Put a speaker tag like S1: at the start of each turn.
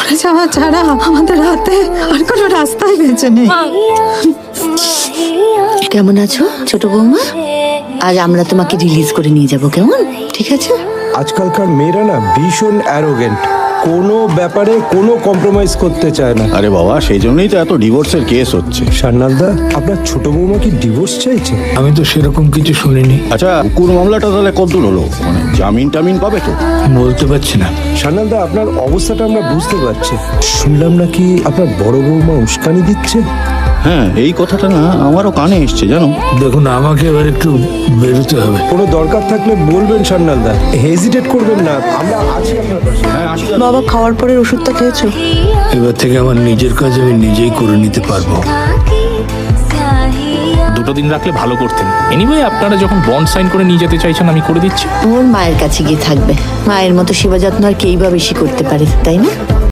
S1: মরে যাওয়া ছাড়া আমাদের হাতে আর কোনো রাস্তাই বেঁচে নেই।
S2: কেমন আছো ছোট বৌমা? আজ আমরা তোমাকে রিলিজ করে নিয়ে যাব, কেমন? ঠিক আছে?
S3: আজকালকার মেয়েরা না ভীষণ অ্যারোগেন্ট, কোনো ব্যাপারে কোনো কম্প্রোমাইজ করতে চায় না।
S4: আরে বাবা, সেই জন্যই তো এত ডিভোর্সের কেস হচ্ছে।
S3: সান্নালদা, আপনার ছোট বৌমা কি ডিভোর্স চাইছে?
S5: আমি তো সেরকম কিছু শুনিনি।
S4: আচ্ছা, কুকুর মামলাটা তাহলে কতদূর হলো? মানে জামিন টামিন পাবে তো?
S5: বলতে পারছি না।
S3: সান্নালদা, আপনার অবস্থাটা আমরা বুঝতে পারছি। শুনলাম নাকি আপনার বড় বৌমা উস্কানি দিচ্ছে।
S4: হ্যাঁ, এই কথাটা না আমারও কানে এসছে, জানো।
S5: দেখুন, আমাকে এবার একটু বেরোতে হবে।
S3: কোনো দরকার থাকলে বলবেন সান্নালদা, হেজিটেট করবেন না, আমরা আছি আপনার পাশে।
S4: হ্যাঁ, আসি।
S2: বাবা, খাওয়ার পরে ওষুধটা খেয়েছো?
S5: এবার থেকে আমার নিজের কাজ আমি নিজেই করে নিতে পারবো।
S6: 2 দিন রাখলে ভালো করতেন। এনিওয়ে, আপনারা যখন বন্ড সাইন করে নিয়ে যেতে চাইছেন আমি করে দিচ্ছি।
S2: ওর মায়ের কাছে গিয়ে থাকবে। মায়ের মতো সেবা যত্ন আর কেই বা বেশি করতে পারে, তাই না?